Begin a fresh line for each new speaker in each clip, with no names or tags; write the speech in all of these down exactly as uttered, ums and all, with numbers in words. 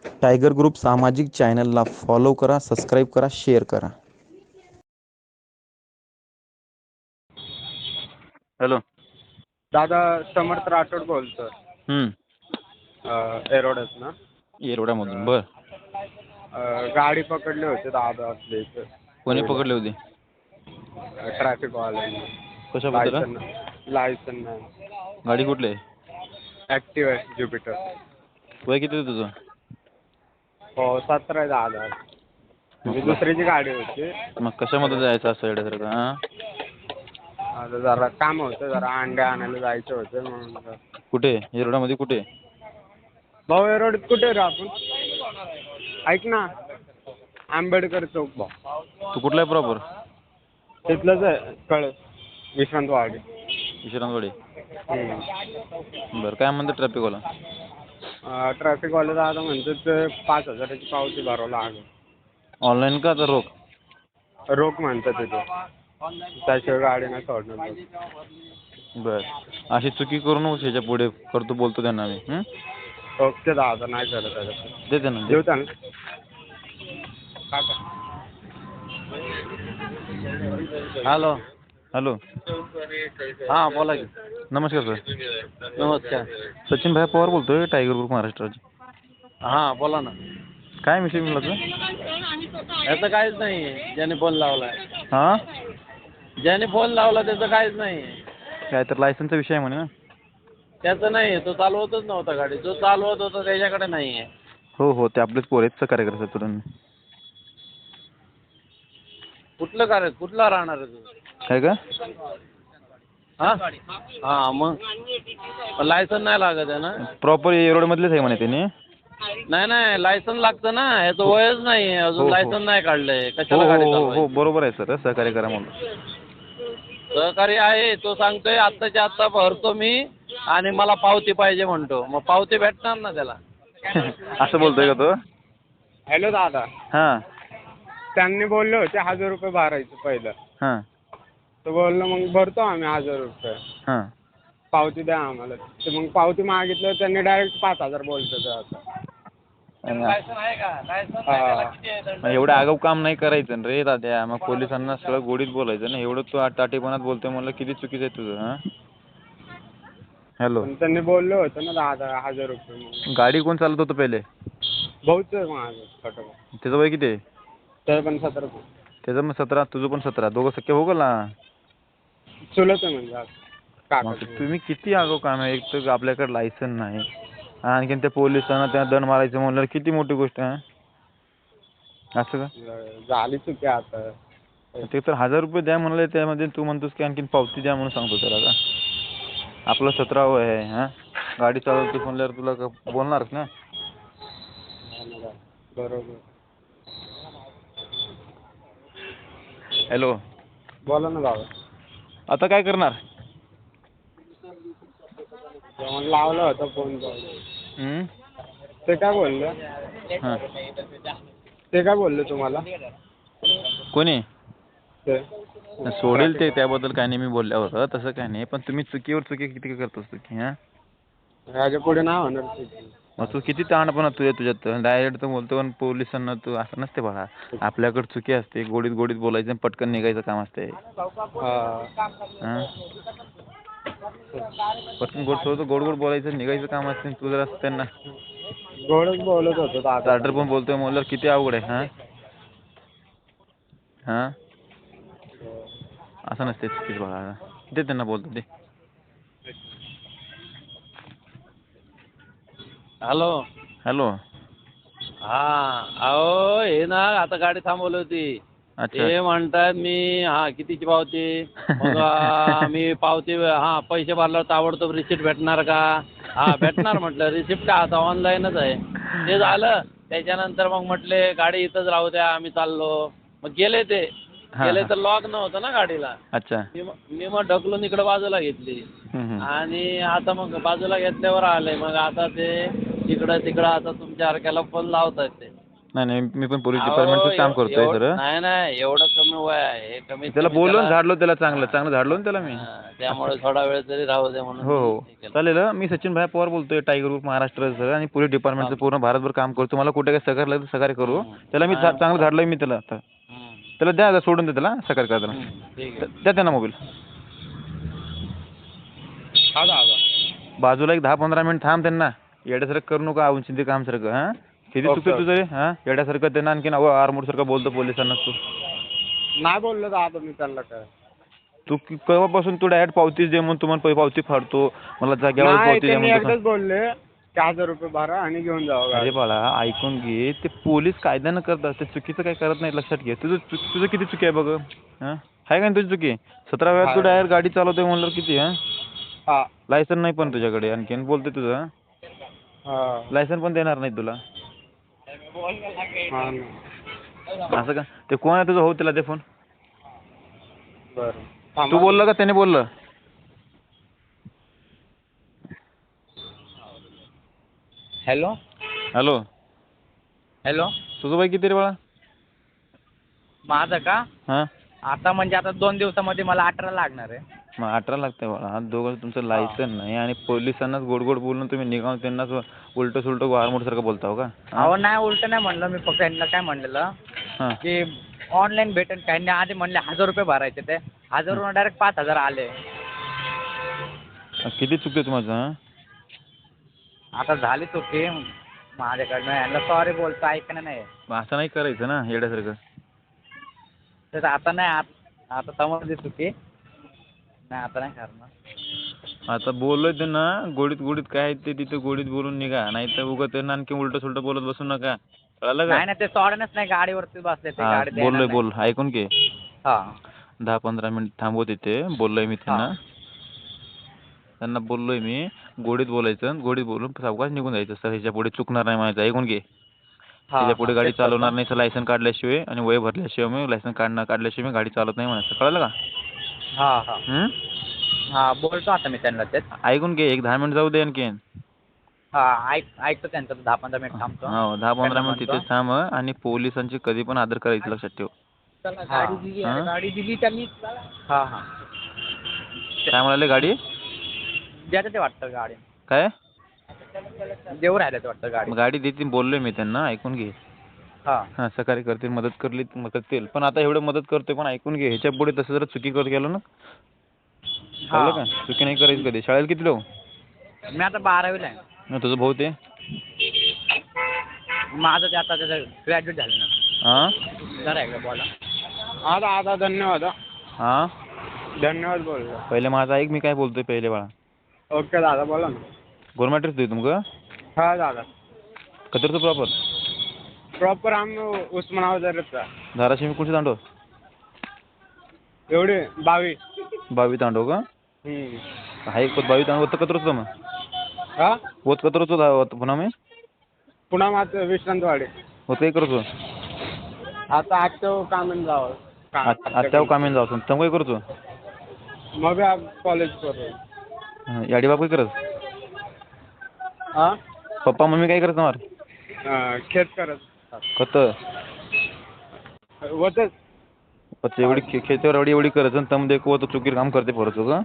Tiger group सामाजिक चॅनलला follow करा, सबस्क्राईब करा, शेअर करा. हॅलो.
दादा समर्थ राठोड बोलतो.
हम्म.
एरोड्यात ना.
येरवड्यामधून बर.
गाडी पकडली होती दादा आपल्या इथं.
कोणी पकडले होते?
ट्रॅफिक वाल्यांनी.
कशाबद्दल?
लायसन लायसन नाही.
गाडी कुठली आहे?
ॲक्टिवा आहे ज्युपिटर.
वय किती आहे तुझं?
हो सतरा आहे दादा. म्हणजे
मग
दुसरीची गाडी होती.
मग कशामध्ये जायचं असं येड्यासारखं? हां.
आता जरा काम होतं, जरा अंडे आणायला जायचं होतं म्हणून.
कुठे? येरवड्यामध्ये कुठे?
भाऊ एरोड्यात कुठे रे आपण? ऐक ना, आंबेडकर चौक भाऊ.
तू कुठला आहे प्रॉपर?
तिथलंच आहे कळस विश्रांतवाडी.
विश्रांतवाडी.
हम्म.
बरं, काय म्हणतं ट्रॅफिकवाला?
ट्रॅफिकवाले दादा म्हणतात ते पाच हजाराची पावती भरावं लागेल.
ऑनलाईन का तर रोख?
रोख म्हणतात तिथे, त्याशिवाय गाडी नाही सोडणार.
बर, अशी चुकी करू नको ह्याच्या पुढे. करतो बोलतो त्यांना मी. हं?
ओके दादा, नाही करत त्याच्यात.
दे त्यांना, दे.
देऊ त्यांना. हॅलो.
हॅलो.
हां बोला की.
नमस्कार सर.
नमस्कार.
सचिन भाई पवार बोलतोय, टायगर ग्रुप महाराष्ट्राचे.
हां बोला ना.
काय विषय म्हणला तुझा?
याचं काहीच नाही, ज्याने फोन लावला.
हां.
ज्याने फोन लावला त्याचं काहीच नाही.
काय तर लायसनचा विषय आहे म्हणे ना?
त्याचं नाही, तो चालवतच नव्हता गाडी. जो चालवत होता त्याच्याकडे नाही आहे.
हो हो, ते आपलेच पोर आहेत, सहकार्य करतात तुला.
कुठलं कार्य? कुठला राहणार आहे तू?
काय का?
हां हां मग लायसन नाही लागत आहे ना?
प्रॉपर येरवड्यामधलेच आहे म्हणे त्याने.
नाही नाही, लायसन लागतं ना. याचं वयच नाही आहे अजून,
हो, हो.
लायसन नाही काढलंय.
हो
कशाला गाडी
हो हो
चालवायची?
हो, बरोबर आहे सर, सहकार्य करा म्हणून.
सहकारी आहे, तो सांगतोय आत्ताच्या आत्ता भरतो मी आणि मला पावती पाहिजे म्हणतो. मग पावती भेटणार ना त्याला.
असं बोलतोय का तो?
हॅलो दादा.
हां
त्यांनी बोलले होते हजार रुपये भरायचं पहिलं.
हां
तो बोललो मग भरतो आम्ही हजार रुपये.
हां.
पावती द्या आम्हाला. तर मग पावती मागितलं, त्यांनी डायरेक्ट पाच हजार बोलतो आता. लायसन आहे का? लायसन
मग एवढं आगाऊ काम नाही करायचं ना रे दाद्या. मग पोलिसांना सगळं गोडीत बोलायचं ना. एवढं तू टाटेपणात बोलतोय म्हणलं, किती चुकीचं आहे तुझं. हां. हॅलो.
त्यांनी बोललो होतं ना दहा हजार रुपये म्हणून.
गाडी कोण चालत होतं पहिले?
भाऊच आहे माझं छोटं भाऊ.
त्याचं वय किती आहे?
तर पण सतरा.
त्याचं मग सतरा, तुझं पण सतरा, दोघं सख्खे हो ना.
चुलत आहे म्हणजे काका.
मग तुम्ही किती आगाऊ काम आहे. एक तर आपल्याकडे लायसन नाही, आणखीन त्या पोलिसांना त्या दंड मारायचं म्हणलं, किती मोठी गोष्ट आहे. असं का
झाली चुकी आता.
ते तर हजार रुपये द्या म्हणलं, त्यामध्ये तू म्हणतोस की आणखीन पावती द्या म्हणून सांगतो त्याला का? आपलं सतरा वय आहे. हां, गाडी चालवतो म्हणल्यावर तुला का बोलणारच ना.
बरोबर.
हॅलो.
बोला ना बाबा.
आता काय करणार?
जेवण लावलं होतं फोन.
हं?
ते काय बोललं?
हां.
ते काय बोलले तुम्हाला?
कोणी?
ते
सोडेल ते, त्याबद्दल काय नाही मी बोलल्यावर, तसं काय नाही. पण तुम्ही चुकीवर चुकी किती करतोस चुकी? हां,
याच्या पुढे नाही होणार चुकी.
मग तू किती ताणपणा तुझ्या तुझ्यात. डायरेक्ट तर बोलतो पण पोलिसांना तू असं नसते बघा. आपल्याकडे चुकी असते, गोडीत गोडीत बोलायचं आणि पटकन निघायचं काम असते. हां, पटकन गोड थोडं गोड गोड बोलायचं, निघायचं काम असते. तू जर असं त्यांना
गोडच बोलत होतो दादा.
स्टार्टर पण बोलतोय म्हणल्यावर किती अवघड आहे. हां हां, असं नसते चुकीच बघा. ते त्यांना बोलतो ते.
हॅलो.
हॅलो.
हां, अहो हे ना आता गाडी थांबवली होती.
अच्छा.
ते म्हणतात मी हां कितीची पावती? मग आ, मी पावती हां पैसे भरल्यावर ताबडतोब रिसिप्ट भेटणार का? हां भेटणार म्हटलं. रिसिप्ट का आता ऑनलाईनच आहे. ते झालं. त्याच्यानंतर मग म्हटले गाडी इथंच राहू द्या, आम्ही चाललो. मग गेले ते. गेले तर लॉक नव्हतं ना गाडीला.
अच्छा.
मी मग मी मग ढकलून इकडे बाजूला घेतली. आणि आता मग बाजूला घेतल्यावर आले. मग आता ते इकडं तिकडं आता तुमच्या सारख्याला फोन लावतात ते.
नाही नाही मी पण पोलीस
अहो,
डिपार्टमेंटचं काम
एव-
करतोय
एव-
सर.
नाही नाही एवढं कमी वय आहे कमी
त्याला बोलून झाडलो त्याला चांगलं चांगलं झाडलो ना त्याला मी.
त्यामुळे थोडा वेळ तरी राहू दे म्हणून
हो
मी
हो
हे केलं.
चालेल. मी सचिन भाई पवार बोलतोय टायगर ग्रुप महाराष्ट्र सर आणि पोलीस डिपार्टमेंटचं पूर्ण भारतभर काम करतो. मला कुठे काही सहकार्य लागलं तर सहकार्य करू.
हम्म.
त्याला मी चा- चांगलं झाडलोय मी त्याला आता.
हम्म.
त्याला द्या आता सोडून दे त्याला सहकार्य करताना.
हम्म. ठीक
द्या
आहे.
द्या त्यांना मोबाईल.
हा दादा.
बाजूला एक दहा पंधरा मिनिट थांब त्यांना. येड्यासारखं करू नका औंचिंती काम सारखं हां. किती
ओके,
चुकीचं तुझं रे हां येड्यासारखं त्यांना आणखीन आरमोडसारखं बोलतो पोलिसांना तू.
नाही बोललो दादा मी त्यांना काय.
तू कि- केव्हापासून तू डायरेक्ट पावतीच दे म्हणून तुम्हाला पै- पावती फाडतो. मला जाग्यावर
नाही
पावती दे
त्यांनी
म्हणून
एकदाच बोलले की हजार रुपये भरा आणि घेऊन जावं
अरे
गाडी.
बाळा ऐकून घे. ते पोलीस कायद्यानं करतात ते चुकीचं काही करत नाही लक्षात घे. तुझं चु- तुझं किती चुकी आहे बघ हां आहे का नाही तुझी चुकी. सतरा वेळात तू
आहे.
डायरेक्ट गाडी चालवतोय म्हणल्यावर किती हां
हा
लायसन नाही पण तुझ्याकडे आणखीन बोलतोय तुझं हां?
हा
लायसन पण देणार नाही तुला.
हा ना.
असं का ते कोण आहे तुझं हो त्याला दे फोन.
बरं
तू
थांबा.
बोलला का त्याने बोललं.
हॅलो
हॅलो
हॅलो
तुझं बाई किती रे बाळा.
माझं का
हां
आता म्हणजे आता दोन दिवसामध्ये मला अठरा लागणार आहे.
मग अठरा लागते बाळा. हा दोघं तुमचं लायसन नाही आणि पोलिसांनाच गोड गोड बोलून तुम्ही निघावून त्यांनाच उलटं सुलटं वारमोडसारखं बोलताव का. हां?
अहो नाही उलट नाही म्हणलं मी फक्त यांना काय म्हणलेलं
हां
की ऑनलाईन भेटेल काय नाही आधी म्हणले हजार रुपये भरायचे ते हजारवरून डायरेक्ट पाच हजार आले.
किती चुकते माझं हां.
आता झाली चुकी माझ्याकडनं यांना सॉरी बोलतो ऐकणं नाही.
मग असं नाही करायचं ना येड्यासारखं.
तर आता नाही आत- आता समजली चुकी नाही आता नाही करणार.
आता बोललोय त्यांना गोडीत गोडीत काय आहे ते तिथे गोडीत बोलून निघा नाही तर उगा त्यांना आणखी उलटं सुलटं बोलत बसू नका. कळलं का.
नाही नाही ते सोडणच नाही गाडीवरती बसले ते
हा
गाडी देणार
बोललोय
नाही.
बोल ऐकून घे.
हा
दहा पंधरा मिनिट थांबव तिथे बोललोय मी त्यांना.
हा.
त्यांना बोललोय मी गोडीत बोलायचं गोडीत बोलून सावकाश निघून जायचं सर ह्याच्या पुढे चुकणार नाही माझं ऐकून घे.
हा,
त्याच्या पुढे
हा,
गाडी
तेच करतो.
चालवणार नाही. लायसन काढल्याशिवाय आणि वय भरल्याशिवाय मी लायसन काढणार काढल्याशिवाय मी गाडी चालवत नाही म्हणायचं. कळलं का.
हा हा
हं?
हा बोलतो आता मी त्यांना तेच.
ऐकून घे एक दहा मिनिट जाऊ दे आणखीन.
हा ऐक ऐकतो त्यांचं दहा पंधरा मिनिट थांबतो.
हो दहा पंधरा
त्यांना
मिनिट
म्हणतो.
तिथेच थांब आणि पोलिसांची कधी पण आदर करायचं लक्षात ठेव.
चला, गाडी दिली आहे,
हा?
गाडी दिली त्यांनी. हा हा
काय म्हणाले गाडी
द्यायचं ते वाटतं गाडी
काय
देऊ राहिलं ते वाटतं गाडी.
मग गाडी देतील बोललोय मी त्यांना ऐकून घे.
हा
हां सहकार्य करतील मदत करली मदत करतील पण आता एवढं मदत करतोय पण ऐकून घे ह्याच्या पुढे तसं जर चुकी करत गेलो ना कळलं का. चुकी नाही करायची कधी. शाळेला किती लोक
मी आता बारावीला आहे.
ना तुझं भाऊ ते
माझं ते आता त्याचं ग्रॅज्युएट झालं ना.
हां
जरा एकदा बोला. हा दादा धन्यवाद.
हां
धन्यवाद बोललो.
पहिले माझा ऐक मी काय बोलतोय पहिले बाळा.
ओके दादा बोला ना.
गोरमाट्रीच तुझी तुमकं
हा दादा
कतरचं प्रॉपर
प्रॉपर आम्ही उस्मानाबादचा
धाराशिव मी कोणची तांडव
एवढे बावीस.
बावी तांडव का
हम्म.
हाय बावी तांडव होतं कतरच मग
हा
होत कतरच पुन्हा मी
पुन्हा माझं विश्रांतवाडी
होत काही करतो
आता आजचं कामन जावं
आत्यावर कामेन जाऊ तम काही करतो
मग कॉलेज करू.
याडी बाप काय करत
हा
पप्पा मम्मी काय करत मार
अं, खेत करत
खत
होतच.
पच्च एवढी खे खेतीवर एवढी एवढी करत तम देखो तो चुकीर काम करते परत का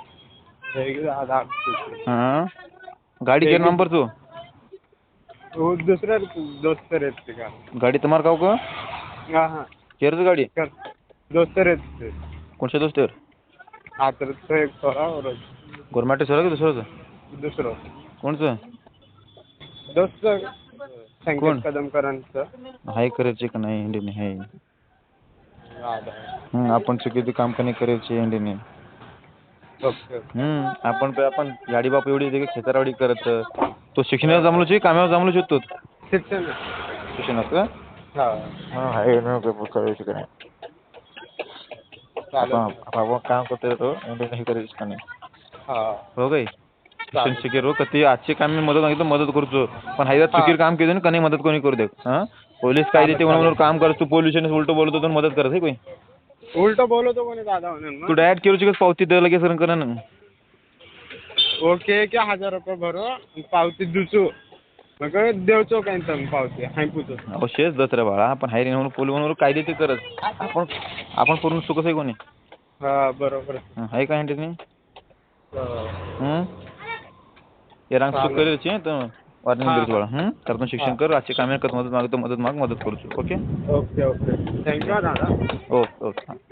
हां गाडी केर नंबर तू
दुसऱ्या दोस्त रहते का
गाडी तुम्हार काव का
हाँ हाँ
केरच गाडी
कर दोस्त रहते
कोणच्या दोस्तर
हा तर तो एक थोडा और
गोरमाटे सर का दुसरंच
दुसरं
कोणचं
दोस्त
कोण?
संकेत कदमकरांचं.
हाय करायचे का नाही इंडियन हाय हं, आपण चुकीचं काम का नाही करायचे इंडियन
ओके
हम्म आपण काय आपण गाडी बाप एवढी येते की खेतारवाडी करत तो शिक्षणाला जमलोच कामावर जमलोच होतो
शिक्षण
शिक्षणात का
हा
हां हाय नको करायचं का नाही
चालेल.
आपण आपण काम करतोय तो इंडियन हे करायचं का नाही
हा
हो काय शिक्षण शिकेर हो कधी आजचे काम मी मदत मागितलं मदत करतो पण हायदा चुकीर काम केलं का नाही मदत कोणी करू दे हां पोलीस काय देते म्हणून काम करत तू पोल्युशन उलट बोलतो तर मदत करत आहे कोणी
उलट बोलतो कोणी दादा म्हणून
तू डायरेक्ट केलं पावती द्यायला लगेच करा ना
ओके क्या हजार रुपये भरो पावती दुसू
मग देवचो काय पावते हाय पुजो
अवश्यच दत रे बाळा आपण हायरी म्हणून पोली म्हणून कायदे ते करत आपण आपण पूर्ण चुकत आहे कोणी
हा बरोबर
आहे काय म्हणते नाही
हा.
ये रंग चूक करायची तर वाटणी करायची बाळा हं त्यातून शिक्षण कर आजचे कामे करत मदत मागतो मदत माग मदत करतो ओके
ओके ओके थँक्यू दादा
ओके ओके हां